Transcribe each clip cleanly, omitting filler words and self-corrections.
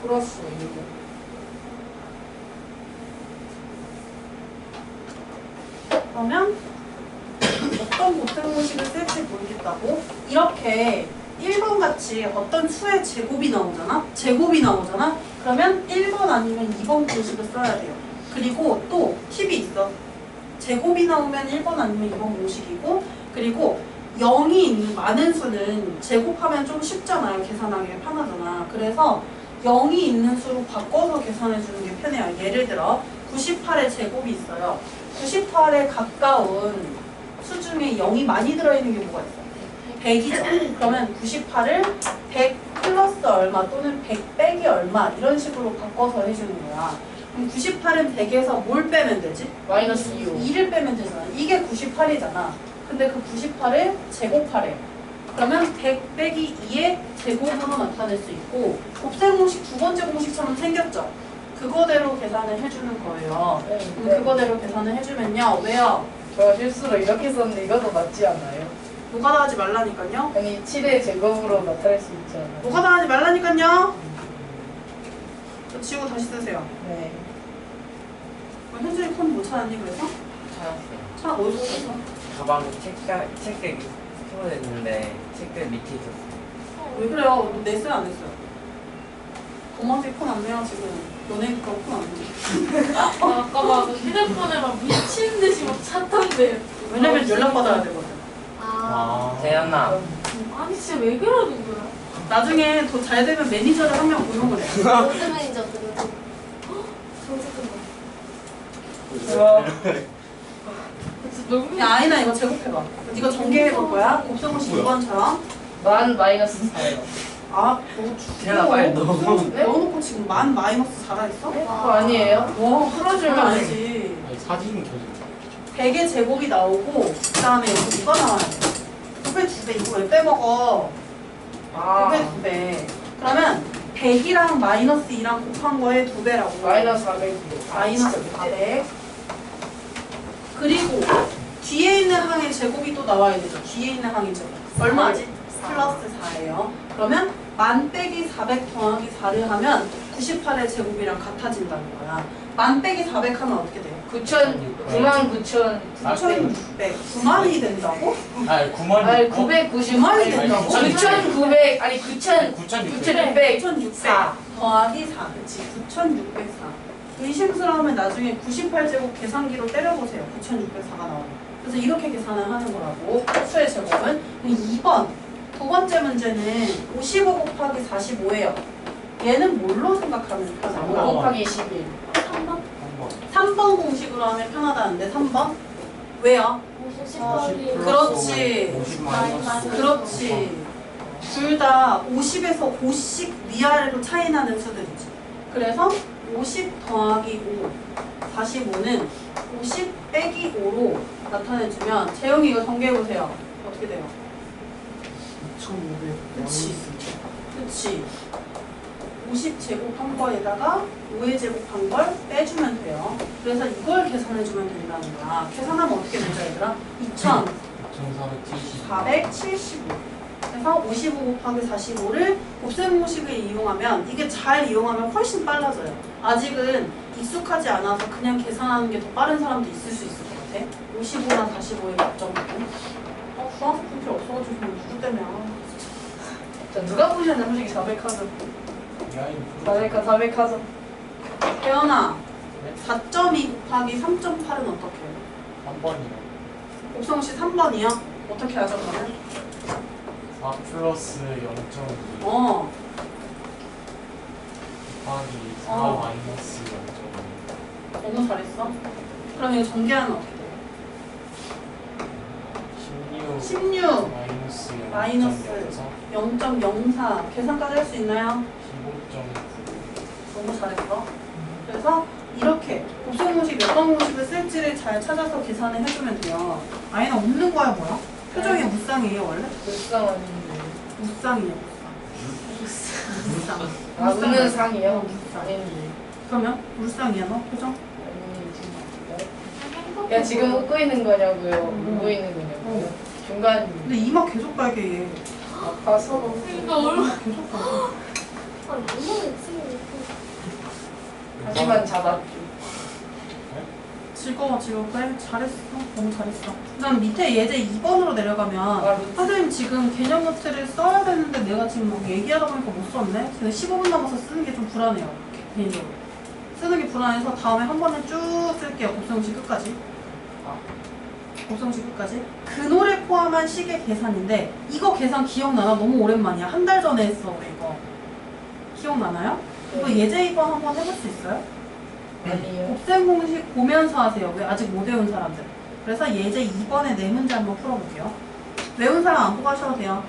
플러스 1번. 그러면 어떤 곱셈공식을 쓸지 모르겠다고? 이렇게 1번 같이 어떤 수의 제곱이 나오잖아? 제곱이 나오잖아? 그러면 1번 아니면 2번 공식을 써야 돼요. 그리고 또 팁이 있어. 제곱이 나오면 1번 아니면 2번 공식이고, 그리고 0이 있는 많은 수는 제곱하면 좀 쉽잖아요. 계산하기 편하잖아. 그래서 0이 있는 수로 바꿔서 계산해 주는 게 편해요. 예를 들어 98의 제곱이 있어요. 98에 가까운 수 중에 0이 많이 들어있는 게 뭐가 있어? 100이죠. 그러면 98을 100 플러스 얼마 또는 100 빼기 얼마 이런 식으로 바꿔서 해주는 거야. 그럼 98은 100에서 뭘 빼면 되지? 마이너스 2호. 2를 빼면 되잖아. 이게 98이잖아. 근데 그 98을 제곱하래. 그러면 100 빼기 2의 제곱으로 나타낼 수 있고, 곱셈 공식 두 번째 공식처럼 생겼죠? 그거대로 계산을 해주는 거예요. 그럼 그거대로 계산을 해주면요. 왜요? 저 실수로 이렇게 썼는데 이것도 맞지 않아요? 노가다 하지 말라니까요. 아니 7의 제곱으로 나타낼 수 있지 않아요? 노가다 하지 말라니까요. 저 지우고 다시 쓰세요. 네. 현준이 콘 못 찾았니 그래서? 찾았어요. 어디서 찾았어? 가방 책들 풀어냈는데 책들 밑에 있었어요. 왜 그래요? 너 냈어요 안 냈어요? 고마지 콘 안 내요 지금. 너네 거 콘 안 내. 아까 막 휴대폰에 막 미친 듯이 막 찾던데. 왜냐면 연락받아야 되거든. 재현아. 아니 진짜 왜 그러는 거야? 나중에 더 잘 되면 매니저를 한 명 고용을 해. 롯데 매니저들은 정색한 진짜 너무 야 아이나 이거 제곱해봐. 이거 전개해볼 거야. 곱셈공식 2번처럼. 만 마이너스 4요. 아, 너 재현아 빨리 넣어. 넣어놓고 지금 만 마이너스 4라 했어? 그거 아니에요? 와, 풀어주면 아니지. 아니 사진이 켜져 100의 제곱이 나오고 그 다음에 여기 이거 나와야 돼. 9배 2배 이거 왜 빼먹어? 9배 2배. 그러면 100이랑 마이너스 2랑 곱한 거에 2배라고. 마이너스 400이요. 마이너스 400. 그리고 뒤에 있는 항의 제곱이 또 나와야 되죠. 뒤에 있는 항의 제곱. 얼마지? 플러스 4예요. 그러면 만 빼기 400 더하기 4를 하면 98의 제곱이랑 같아진다는 거야. 만 빼기 400 하면 어떻게 돼요? 99,000 9,600. 9만이 된다고? 아니 9만 아니 990 9만이 된다고? 9,900 아니 9,600 9,600 더하기 4. 그치. 9,604. 의심스러우면 나중에 98제곱 계산기로 때려보세요. 9,604가 나오면. 그래서 이렇게 계산을 하는 거라고. 수의 제곱은. 2번. 두 번째 문제는 55 곱하기 45예요. 얘는 뭘로 생각하면 5 편한가? 곱하기 21 3번? 3번 공식으로 하면 편하다는데 3번? 왜요? 50 어, 더하기 그렇지. 50 마이너스 그렇지. 둘 다 50에서 5씩 위아래로 차이 나는 수들이지. 그래서 50 더하기 5, 45는 50 빼기 5로 나타내주면 재영이 이거 전개해보세요. 어떻게 돼요? 2,500 그치. 그치. 50 제곱한 거에다가 5의 제곱한 걸 빼주면 돼요. 그래서 이걸 계산해주면 된다는 거야. 계산하면 어떻게 되죠, 얘들아? 2,470 2,475. 그래서 55 곱하기 45를 곱셈공식을 이용하면, 이게 잘 이용하면 훨씬 빨라져요. 아직은 익숙하지 않아서 그냥 계산하는 게 더 빠른 사람도 있을 수 있을 것 같아. 55랑 45의 합점은. 수학수 풀필 없어가지고 누구 때문에. 자 누가 보셨냐 솔직히 400 하죠. 400 하죠. 태연아, 4.2 곱하기 3.8은 어떻게 해요? 3번이요 곱셈공식 3번이요? 어떻게 하죠, 그러면? 4 플러스 0.2 어, 곱하기 4 어. 마이너스 0.2 너무 잘했어. 그럼 이거 전개하면 어떻게 돼요? 16 16 마이너스 마이너스 0.04 계산까지 할 수 있나요? 15.9 너무 잘했어. 그래서 이렇게 곱셈공식 몇 번 공식을 쓸지를 잘 찾아서 계산을 해주면 돼요. 아이는 없는 거야 뭐야? 표정이 무쌍이에요 원래? 불쌍 아닌데. 무쌍이에요 무쌍. 아 웃는 상이요? 무쌍. 아닌데. 그러면 물쌍이야 너 표정? 아니 야 지금 웃고 있는 거냐고요? 울고 있는 거냐고요? 중간 근데 이마 계속 빨개 얘. 아파서 그러니까 얼마 계속 빨개. 아, 너무 욕심이 있고 하지만 잡았죠. 즐거워 그래 잘했어 너무 잘했어. 그다음 밑에 예제 2번으로 내려가면 선생님 지금 개념 노트를 써야 되는데 내가 지금 막 얘기하다 보니까 못 썼네. 그래서 15분 남아서 쓰는 게 좀 불안해요. 개인적으로 쓰는 게 불안해서 다음에 한 번에 쭉 쓸게요. 곱셈식 끝까지. 곱셈식 끝까지. 그 노래 포함한 시계 계산인데 이거 계산 기억나나? 너무 오랜만이야. 한 달 전에 했어 우리 이거. 기억나나요? 이거 예제 2번 한번 해볼 수 있어요? 아니요. 곱셈 공식 보면서 하세요. 왜 아직 못 외운 사람들. 그래서 예제 2번에 네 문제 한번 풀어볼게요. 외운 사람 안 보고 하셔도 돼요.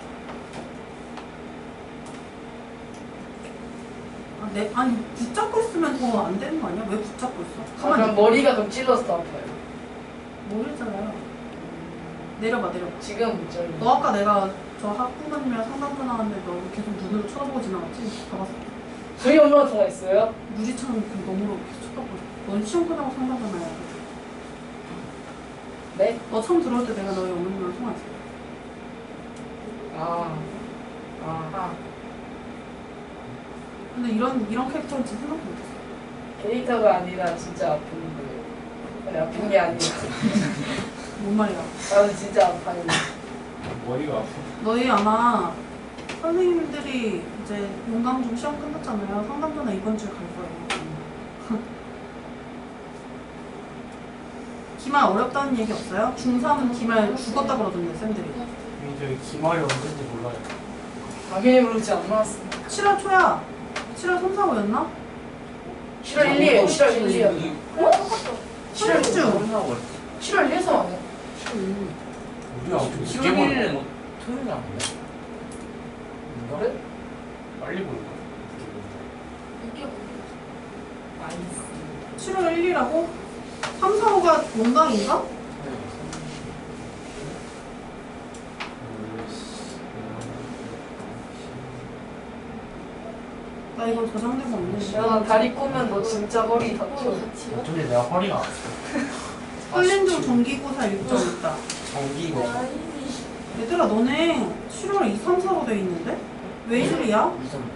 아니 붙잡고 있으면 더 안 되는 거 아니야? 왜 붙잡고 있어? 가만히 그럼 머리가 좀 찔러서 아파요. 모르잖아요. 내려봐. 지금 못 잘려. 너 아까 내가 저 학부모님이랑 상담도 나왔는데 너 계속 눈으로 쳐다보고 지나갔지? 봐봤어. 저희 엄마가 통화했어요? 유리처럼 그 너머로 계속 쳐다보고. 넌 시험 끝나고 상담하나요? 네? 너 처음 들어올 때 내가 너희 어머님이랑 통화했어. 아. 근데 이런 캐릭터인지 생각도 못했어. 캐릭터가 아니라 진짜 아픈 거예요. 아니, 아픈 게 아니라. 뭔 말이야? 나는 진짜 아파요. 머리가 아파. 너희 아마 선생님들이 이제 용강중 시험 끝났잖아요. 상담전에 이번 주에 갈 거예요. 기말 어렵다는 얘기 없어요? 중3은 기말 죽었다 그러던데 쌤들이. 저희 기말이 언제인지 몰라요. 당연히 모르지 안 나왔어. 7월 초야. 7월 3, 4, 5였나? 7월 1일이에요. 7월 1일이요. 똑같아. 7월 3주. 7월 1일에서 아니야? 우리가 엄청 10월 늦게 보는 1일은 거. 토요일 아닌가? 그래? 빨리 보는 거. 이게 뭐야? 7월 1일이라고? 3, 4, 5가 용강인가? 나 이거 저장된 거 없네. 야, 나 다리 꼬면 너 진짜 허리 다쳐. 같이요? 어쩐지 내가 허리가 아파. 헐린중 정기고사 일정 있다. 정기고. 얘들아 너네 7월 2, 3, 4로 돼 있는데? 왜 이리야?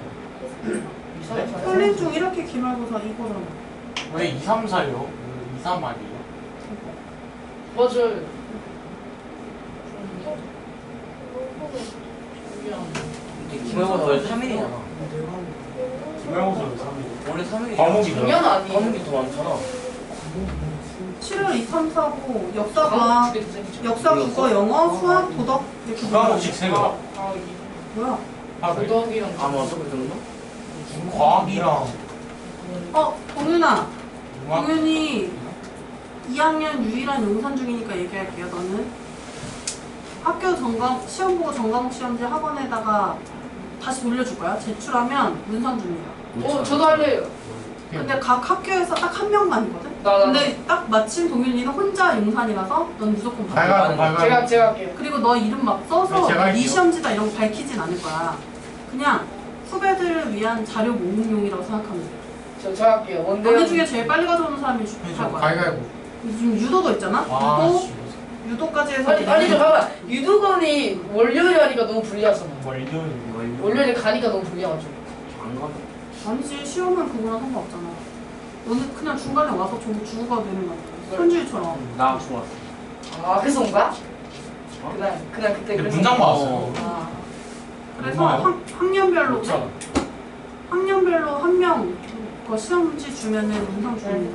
헐린중 이렇게 기말고사 이거잖아. 왜 2, 3, 4요? 2, 3 아니에요? 맞아요. 근데 기말고사 원래 3일이잖아. 기말고사는 3일. 원래 3일이야. 과목이 중요한 아니에요. 과목이 더 많잖아. 7월 2, 3, 4, 5 역사가 역사, 국어, 영어, 수학, 도덕 이렇게 두 과목씩 세 개. 뭐야? 하루에. 도덕이랑 아 맞아 그 정도? 과학이랑 동윤아. 음악. 동윤이 2학년 유일한 용산 중이니까 얘기할게요. 너는 학교 시험 보고 전과목 시험지 학원에다가 다시 돌려줄 거야. 제출하면 문상 줍니다. 저도 할래요. 근데 각 학교에서 딱 한 명만이거든? 나. 근데 딱 마침 동윤이는 혼자 용산이라서 넌 무조건 받아. 발갈. 제가 할게요. 그리고 너 이름 막 써서 네, 제가 네 할게요. 시험지다 이런 거 밝히진 않을 거야. 그냥 후배들을 위한 자료 모음용이라고 생각하면 돼. 저 할게요. 너네 중에 제일 빨리 가져오는 사람이 할 거야. 발갈고. 지금 유도도 있잖아? 유도까지 해서 아니 잠깐만. 유도건이 월요일에 하니까 너무 불리하잖아. 월요일에 가니까 너무 불리하죠. 안 가. 아니지, 시험은 그거랑 상관없잖아. 너는 그냥 중간에 와서 주고 가도 되는 거야. 현주일처럼. 나 좋았어. 아 그래서 온가? 그날 그때 근데 그래서 문장 봤어요. 아, 그래서 얼마요? 학년별로 천. 학년별로 한 명 그 시험지 주면은 문상 줍니다.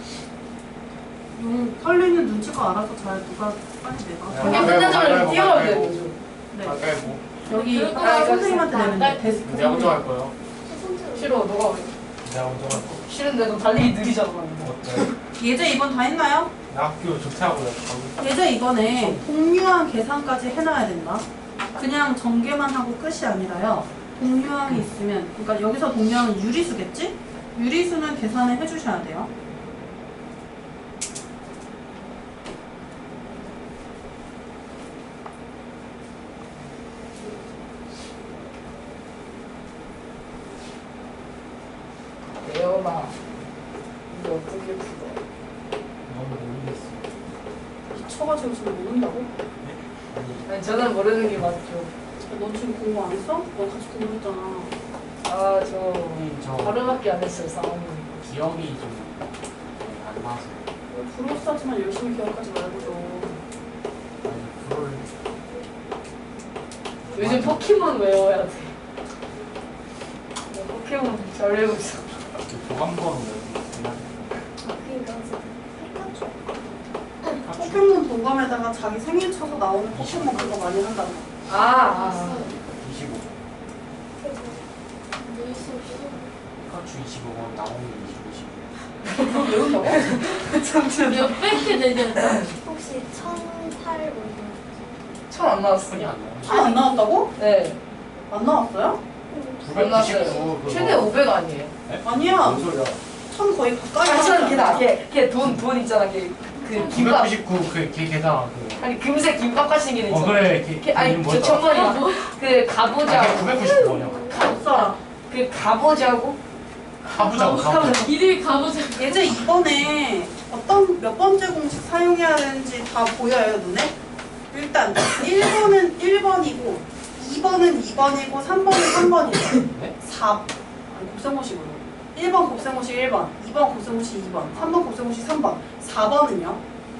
털리는 눈치가 알아서 잘 누가 빨리 내봐. 그냥 끝나자마자 뛰어가면 되는 거죠. 네. 발갈고. 여기 아, 선생님한테 내면 돼. 데스크 내가 먼저 선생님. 갈 거예요. 싫어. 너가 왜? 내가 먼저 갈 거. 싫은데 너 달리기 느리잖아. 어때? 예제 이번 다 했나요? 나 학교 좋다고요. 예제 이번에 동류항 계산까지 해놔야 된다. 그냥 전개만 하고 끝이 아니라요. 동류항이 있으면, 그러니까 여기서 동류항은 유리수겠지? 유리수는 계산을 해주셔야 돼요. 예원아, 이거 어떻게 풀어? 너무 모르겠어. 미쳐가지고 지금 모른다고? 아니 저는 모르는 게 맞죠. 너 지금 공부 안 했어? 너 같이 공부했잖아. 아 저 저 하루밖에 안 했어요. 상황이. 기억이 좀 안 나서. 불호스하지만 열심히 기억하지 말고 좀. 아니 불을 요즘 포켓몬 외워야 돼. 나 포켓몬 잘 외우고 있어. 보관번호 외우고 그러니까 피카츄. 포켓몬 동감에다가 자기 생일 쳐서 나오는 포켓몬 그거 많이 한단 말이야. 아. 25. 루이스 피카츄 25번 나오는 25. 그거 외운다고? 잠시만. 몇백 개 되냐? 혹시 1008 올려? 처음 안 손이 나왔어요. 안 나오네. 아, 안 나왔다고? 네. 안 나왔어요? 안 나왔어요. 999 최대 500 아니에요? 아니야. 뭔 소리야? 천 거의 가까이 아, 천 하지 걔다. 않아? 걔돈 있잖아. 걔그 김밥. 999 걔 계좌 아니 금색 김밥 같은 게 있잖아. 그래 걔 아니 이름 저 뭐였더라? 천번이야. 그 가보자. 999번이야. 없어라. 그 가보자고. 가보자. 이리 가보자. 예제 이번에 어떤 몇 번째 공식 사용해야 되는지 다 보여요, 눈에? 일단 1번은 1번이고 2번은 2번이고 3번은 3번이에요. 네? 4 아니 곱셈공식으로 1번 곱셈공식 1번 2번 곱셈공식 2번 3번 곱셈공식 3번 4번은요?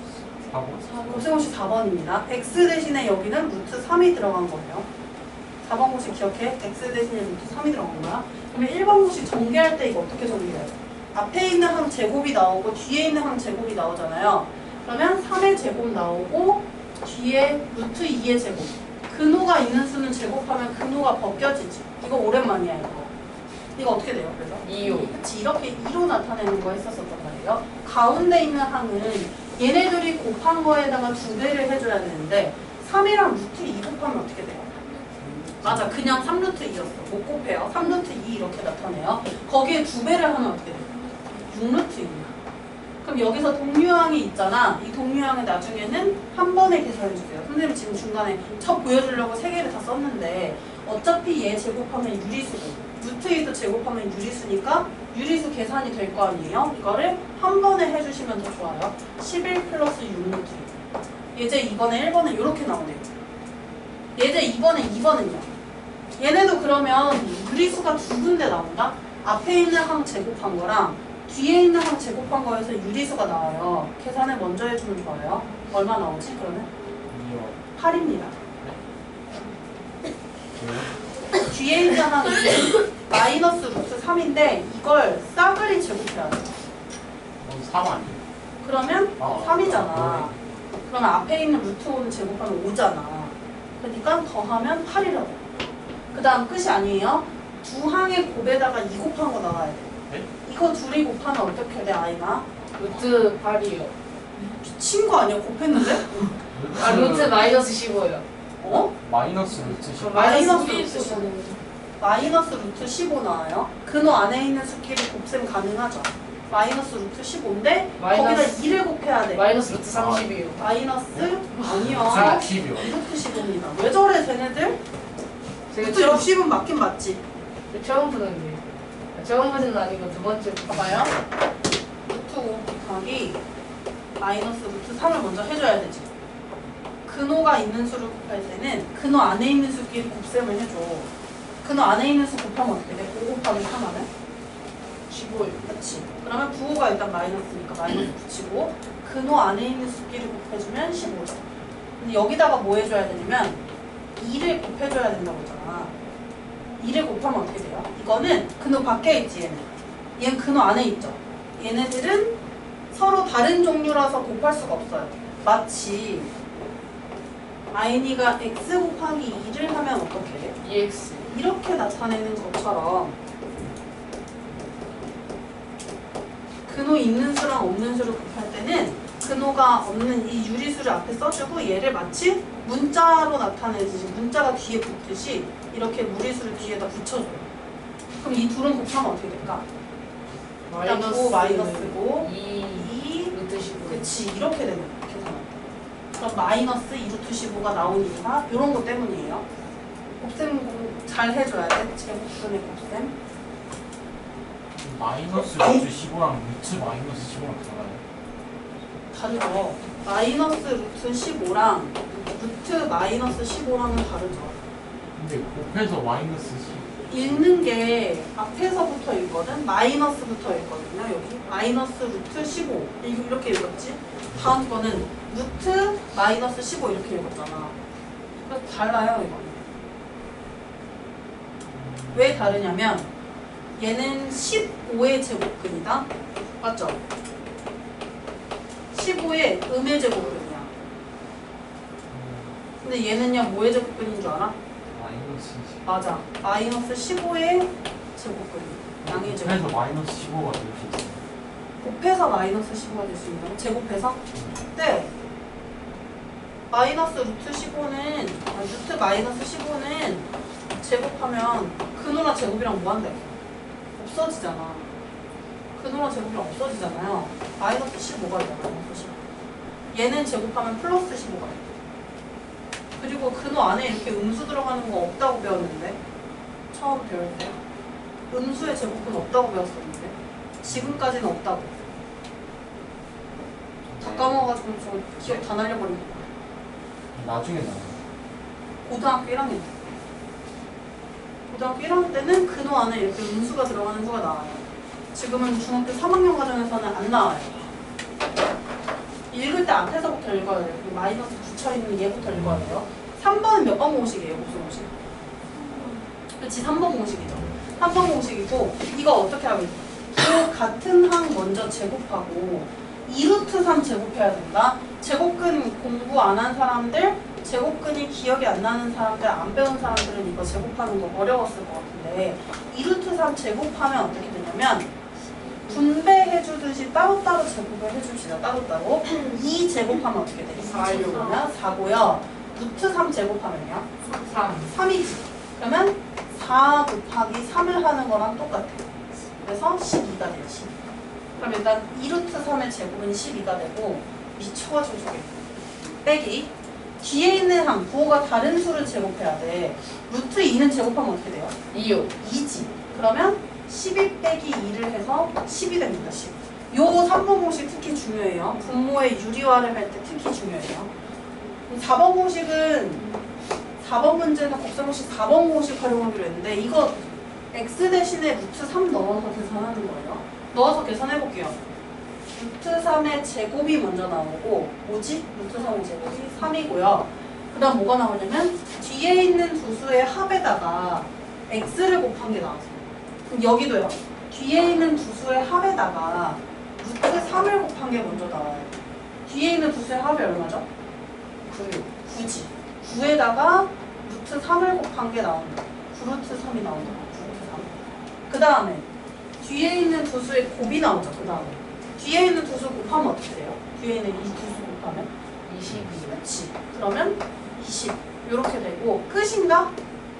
곱셈공식 4번입니다. x 대신에 여기는 루트 3이 들어간 거예요. 4번 공식 기억해? x 대신에 루트 3이 들어간 거야. 그러면 1번 공식 전개할 때 이거 어떻게 전개해요? 앞에 있는 항 제곱이 나오고 뒤에 있는 항 제곱이 나오잖아요. 그러면 3의 제곱 나오고 뒤에 루트 2의 제곱. 근호가 있는 수는 제곱하면 근호가 벗겨지지. 이거 오랜만이야 이거. 이거 어떻게 돼요? 그래서? 2호. 그치, 이렇게 2로 나타내는 거 했었었단 말이에요. 가운데 있는 항은 얘네들이 곱한 거에다가 2배를 해줘야 되는데 3이랑 루트 2 곱하면 어떻게 돼요? 맞아, 그냥 3루트 2였어. 못 곱해요. 3루트 2 이렇게 나타내요. 거기에 2배를 하면 어떻게 돼요? 6루트 2야. 그럼 여기서 동류항이 있잖아. 이 동류항을 나중에는 한 번에 계산해주세요. 선생님 지금 중간에 첫 보여주려고 3개를 다 썼는데 어차피 얘 제곱하면 유리수고 루트 2도 제곱하면 유리수니까 유리수 계산이 될 거 아니에요? 이거를 한 번에 해주시면 더 좋아요. 11 플러스 6루트 2. 예제 2번에 1번은 이렇게 나오네요. 예제 2번에 2번은요. 얘네도 그러면 유리수가 두 군데 나온다? 앞에 있는 항 제곱한 거랑 뒤에 있는 항 제곱한 거에서 유리수가 나와요. 계산을 먼저 해주면 좋아요. 얼마 나오지 그러면? 8입니다. 뒤에 있는 항이 마이너스 루트 3인데 이걸 싸그리 제곱해야 돼. 3 아니에요? 그러면 아, 3이잖아. 그러면 앞에 있는 루트 5는 제곱하면 5잖아. 그러니까 더하면 8이라고. 그 다음 끝이 아니에요. 두 항의 곱에다가 2 곱한 거 나와야 돼. 네? 이거 둘이 곱하면 어떻게 돼, 아이가? 루트 8이요. 미친 거 아니야, 곱했는데? 아 루트 마이너스 15요. 어? 마이너스 루트 10. 마이너스 우리 루트 수가 15. 마이너스 루트 15 나와요. 근호 안에 있는 수끼리 곱셈 가능하죠. 마이너스 루트 15인데 거기다 2를 곱해야 돼. 마이너스 루트 30이요. 마이너스 아니요. 40이요. 루트 15입니다. 왜 저래 쟤네들? 제가 루트 60은 맞긴 맞지. 처음 보는데. 처음 보는 건 아니고 두 번째. 봐봐요. 루트 5 곱하기 마이너스 루트 3을 먼저 해줘야 되지. 근호가 있는 수를 곱할 때는 근호 안에 있는 수끼리 곱셈을 해줘. 근호 안에 있는 수 곱하면 어떻게 돼? 5 곱하기 3 하면? 15요. 그치. 그러면 부호가 일단 마이너스니까 마이너스 붙이고 근호 안에 있는 수끼리 곱해주면 15죠. 근데 여기다가 뭐 해줘야 되냐면 2를 곱해줘야 된다고 했잖아. 2를 곱하면 어떻게 돼요? 이거는 근호 밖에 있지 얘는. 얘는 근호 안에 있죠. 얘네들은 서로 다른 종류라서 곱할 수가 없어요. 마치 아이니가 x 곱하기 2를 하면 어떻게 돼? EX. 이렇게 나타내는 것처럼 근호 있는 수랑 없는 수를 곱할 때는 근호가 없는 이 유리수를 앞에 써주고 얘를 마치 문자로 나타내듯이 문자가 뒤에 붙듯이 이렇게 무리수를 뒤에다 붙여줘요. 그럼 이 둘은 곱하면 어떻게 될까? 일단 9 마이너스고 2 2 루트 15. 그치 이렇게 되는 거야 계산할 때. 그럼 마이너스 2루트 15가 나온 이유가 이런 거 때문이에요. 곱셈 잘 해줘야 돼. 제곱분의 곱셈. 마이너스 루트 15랑 루트 마이너스 15랑 달라요? 다르죠. 마이너스 루트 15랑 루트 마이너스 15랑은 다르죠. 근데 곱해서 마이너스 10 읽는 게 앞에서부터 읽거든. 마이너스부터 읽거든요. 여기 마이너스 루트 15 이렇게 읽었지. 다음 거는 루트 마이너스 15 이렇게 읽었잖아. 그래서 달라요 이거. 왜 다르냐면 얘는 15의 제곱근이다. 맞죠? 15의 음의 제곱근이야. 근데 얘는요 뭐의 제곱근인 줄 알아? 마이너스지. 맞아. 마이너스 15의 제곱근. 양의 그래서 제곱. 마이너스 15가 될 수 있어요. 곱해서 마이너스 15가 될 수 있는 거. 제곱해서? 네. 마이너스 루트 15는 루트 마이너스 15는 제곱하면 근호랑 제곱이랑 뭐한대? 없어지잖아. 근호랑 제곱이랑 없어지잖아요. 마이너스 15가 되잖아. 마이너스 15. 얘는 제곱하면 플러스 15가 돼. 그리고 근호 안에 이렇게 음수 들어가는 거 없다고 배웠는데 처음 배울 때 음수의 제곱은 없다고 배웠었는데 지금까지는 없다고. 다 까먹어가지고 저 기억 다 날려버린 거야. 나중에 나와요. 고등학교 1학년 때. 고등학교 1학년 때는 근호 안에 이렇게 음수가 들어가는 수가 나와요. 지금은 중학교 3학년 과정에서는 안 나와요. 읽을 때 앞에서부터 읽어야 돼요. 그 마이너스 붙여있는 얘부터 읽어야 돼요. 3번은 몇 번 공식이에요? 무슨 공식? 그렇지, 3번 공식이죠. 3번 공식이고 이거 어떻게 하면 그 같은 항 먼저 제곱하고 2루트 3 제곱해야 된다. 제곱근 공부 안 한 사람들, 제곱근이 기억이 안 나는 사람들, 안 배운 사람들은 이거 제곱하는 거 어려웠을 것 같은데 2루트 3 제곱하면 어떻게 되냐면 분배해 주듯이 따로따로 제곱을 해줍시다. 따로따로 2 제곱하면 어떻게 돼? 4를 보면 4고요. 루트 3 제곱하면요? 3이지. 그러면 4 곱하기 3을 하는 거랑 똑같아요. 그래서 12가 돼요. 12. 그럼 일단 2루트 3의 제곱은 12가 되고 미쳐가지고 저게 빼기 뒤에 있는 항 부호가 다른 수를 제곱해야 돼. 루트 2는 제곱하면 어떻게 돼요? 2요. 2지. 그러면 12 빼기 2를 해서 10이 됩니다. 10. 요 3번 공식 특히 중요해요. 분모의 유리화를 할 때 특히 중요해요. 4번 공식은 4번 문제는 곱셈 공식 4번 공식 활용하기로 했는데 이거 x 대신에 루트 3 넣어서 계산하는 거예요. 넣어서 계산해 볼게요. 루트 3의 제곱이 먼저 나오고 뭐지? 루트 3의 제곱이 3이고요. 그 다음 뭐가 나오냐면 뒤에 있는 두 수의 합에다가 x를 곱한 게 나왔어요. 그럼 여기도요. 뒤에 있는 두 수의 합에다가 루트 3을 곱한 게 먼저 나와요. 뒤에 있는 두 수의 합이 얼마죠? 9지. 9에다가 루트 3을 곱한 게 나온다. 9루트 3이 나온다. 9루트 3. 그 다음에 뒤에 있는 두 수의 곱이 나오죠. 그 다음에 뒤에 있는 두 수 곱하면 어떻게 돼요? 뒤에 있는 이 두 수 곱하면 22. 그렇지. 그러면 20 이렇게 되고 끝인가?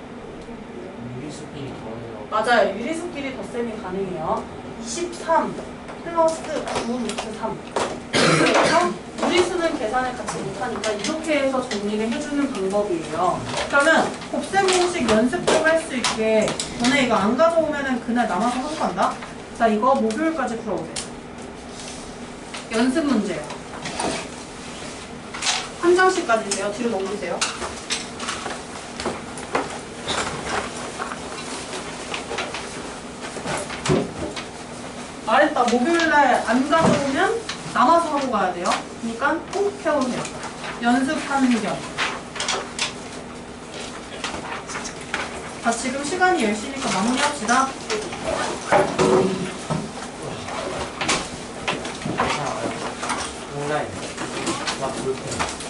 유리수끼리 더해요. 맞아요. 유리수끼리 덧셈이 가능해요. 23 플러스 9루트 3. 그래서 유리수는 계산을 같이 못하니까 이렇게 해서 정리를 해주는 방법이에요. 그러면 곱셈 공식 연습 좀 할 수 있게 너네 이거 안 가져오면은 그날 남아서 하고 간다? 자, 이거 목요일까지 풀어오세요. 연습 문제요. 한 장씩까지 주세요. 뒤로 넘기세요. 말했다. 목요일날 안 가져오면 남아서 하고 가야 돼요. 그러니까 꼭 해오세요. 연습하는 겸. 자, 지금 시간이 10시니까 마무리합시다. 온라인. 막 그렇게.